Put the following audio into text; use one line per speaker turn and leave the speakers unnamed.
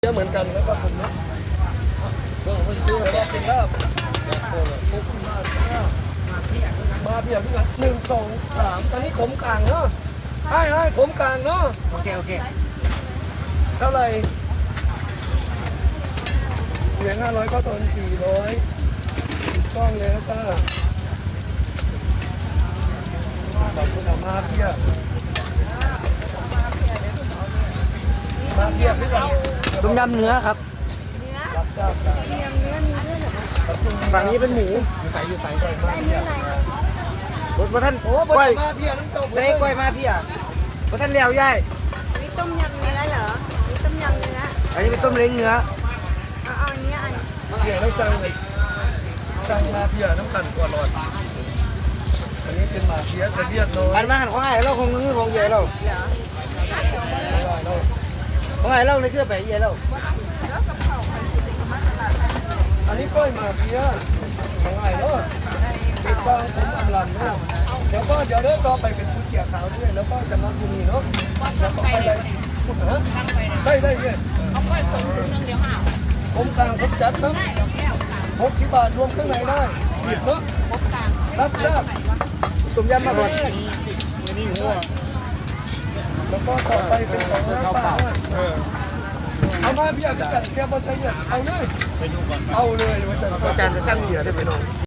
เยอะเหมือนกันแล้วก็ผมนะเรื่องคนซื้อแล้วก็เป็นลาบมาเบียร์พี่กัน1 2 3ตอนนี้ขมกลางเนาะให้ขมกลางเนาะ
โอเค
เท่าไหร่เหรียญ500ก็ตน400ถูกต้องเลยนะป้าขอบคุณมาเบียร์พี่กัน
ต้มยำเนื้อครับ
รับทราบครับ
เนื้อมีด้วยเหรอ
ฝั่งนี้เป็นหมู
อยู่ไต่ก่อนมา
อันนี้อะไร
พระท่าน
โอ้บ
ก้อย
มาเบียร์น้ำตก
ใส่ก้อยมาพี่อ่ะพระท่านเลี้ยวย่าย
มีต้มยำเนื้อเหรอมีต้มยำเนื้อ
อันนี้เป็นต้มเล้งเนื้อ
เอาอันนี้อัน
เบียร์แล้วจังเลยจังมาเบียร์น้ำกันกว่าหลอดอันนี้เป็นมาเบียร์จะเบียร์น้อย
อันมาหันของไอ้เราคงนึกของใหญ่เรา
เหรอ
ของไอ้เราในเครื่องไปใหญ่เรา
อันนี้ก้อยมาเบียร์ของไอ้เนาะติดตามผมอำลันเนาะเดี๋ยวเริ่มต่อไปเป็นผู้เชี่ยวชาญด้วยแล้วก็จะมาที่นี่เนาะแล้วก็ไปเลยพูดนะได้เนี่ยเอาก้อยผมผมกลางผมจัดครับ60 บาทรวมข้างในได้หยิบเนาะรับทราบ
ต้มยำมาก่อน
แล้วก็ต่อไปเป็นของน้ำเปล่าเอามาพี่อยากจะจัดแก้วบอลชัยเนี่ยเอาเลยว่าจะ
อาจารย์จะสร้างเหยื่อได้ไหมน้อง